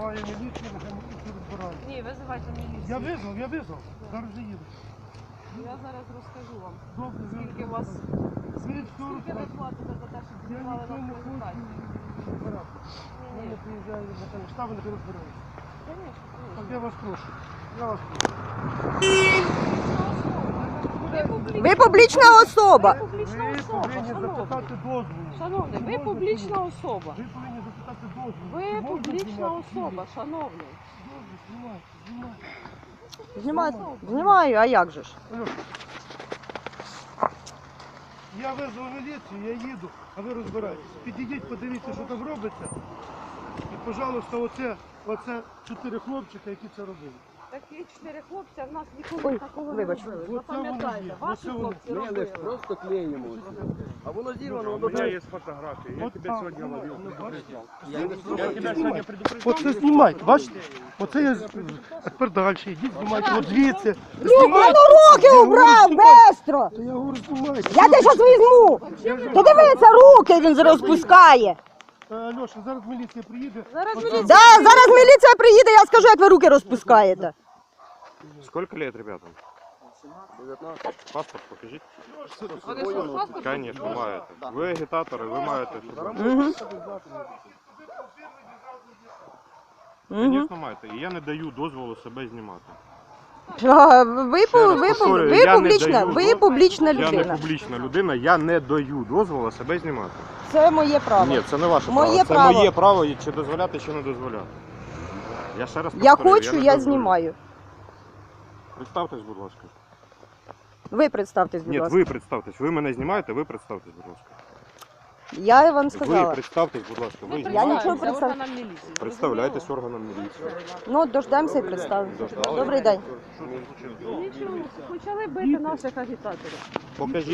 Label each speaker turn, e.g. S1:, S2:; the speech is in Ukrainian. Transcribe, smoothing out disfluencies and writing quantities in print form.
S1: визиваю міліцію, нехай міліцію розбирають.
S2: Ні, визивайте міліцію.
S1: Я визвав. Зараз же їду.
S2: Я зараз розкажу вам,
S1: Добре,
S2: скільки у вас,
S1: ви
S2: скільки ви платите за те, щоб
S1: Я
S2: знімали
S1: нічого
S2: на
S1: не хочу
S2: презентацію.
S1: розбирати. Я не приїжджаю на те штаби, нехай розбираються. Так я вас прошу. Я вас прошу.
S3: Ви публічна особа.
S2: Ви публічна
S1: Ви
S2: особа,
S1: повинні
S2: шановний.
S1: запитати дозволу.
S2: Шановний,
S1: Чи
S2: ви
S1: можна
S2: публічна
S1: знімати?
S2: особа.
S1: Ви повинні запитати дозволу.
S2: Ви
S1: Чи можна
S2: публічна
S1: знімати?
S2: особа, шановний.
S1: Добре, знімайте.
S3: Знімаю, а як же ж?
S1: Алло. Я визвав міліцію, я їду, а ви розбираєтесь. Підійдіть, подивіться, що там робиться. І, пожалуйста, оце 4 хлопчика, які це робили.
S2: Такі 4 хлопця, в нас
S3: Ой,
S2: ніколи такого не
S3: вибач.
S2: робили.
S1: Оце воно
S2: Запам'ятайте,
S1: є,
S2: ваші
S1: оце воно.
S2: хлопці
S4: Не, мы
S2: робили.
S4: просто клеим его. А воно зірвано,
S5: У
S4: воно
S5: меня есть фотографии. Я
S1: Вот
S5: тебя
S1: так.
S5: сегодня ловил, предупреждал.
S4: Я не
S5: Я тебя сегодня предупреждал.
S1: Оце знімайте, бачите? Оце я тепер далі. Йдіть, знімайте, от звідси.
S3: Воно руки убрав, бестро!
S1: Я говорю, знімайте.
S3: Я тебе зараз візьму! Ти дивися, руки він розпускає.
S1: Льоша, зараз міліція приїде.
S2: Зараз
S1: Оце-
S2: міліція.
S3: Да, зараз міліція приїде, я скажу, як ви руки розпускаєте.
S5: Сколько лет ребятам?
S4: 19.
S5: Паспорт покажите.
S2: Вони що, паспорт?
S5: Конечно, маєте. Ви агітатори, ви маєте.
S3: Угу.
S5: Звісно, маєте. І я не даю дозволу себе знімати.
S3: Ви публічна
S5: Я не
S3: людина.
S5: публічна людина, я не даю дозволу себе знімати.
S3: Це моє право.
S5: Ні, це не ваше
S3: Моє
S5: право. Це
S3: право.
S5: моє право, і чи дозволяти, чи не дозволяти. Я ще раз
S3: Я
S5: повторюю,
S3: хочу,
S5: не
S3: я
S5: дозволю.
S3: знімаю.
S5: Представтесь, будь ласка.
S3: Ви представтесь, будь
S5: Ні,
S3: ласка.
S5: ви представтесь. Ви мене знімаєте, ви представтесь, будь ласка.
S3: Я вам
S5: Ви
S3: сказала.
S5: представтесь, будь ласка. Ви
S3: Я
S5: знімаєте?
S3: нічого представ-
S2: органам міліції.
S5: Представляйтесь органам міліції.
S3: Ну, дождемося і представимо.
S5: Дождались.
S3: Добрий день.
S2: Нічого, почали бити наших агітаторів.
S5: Покажіть.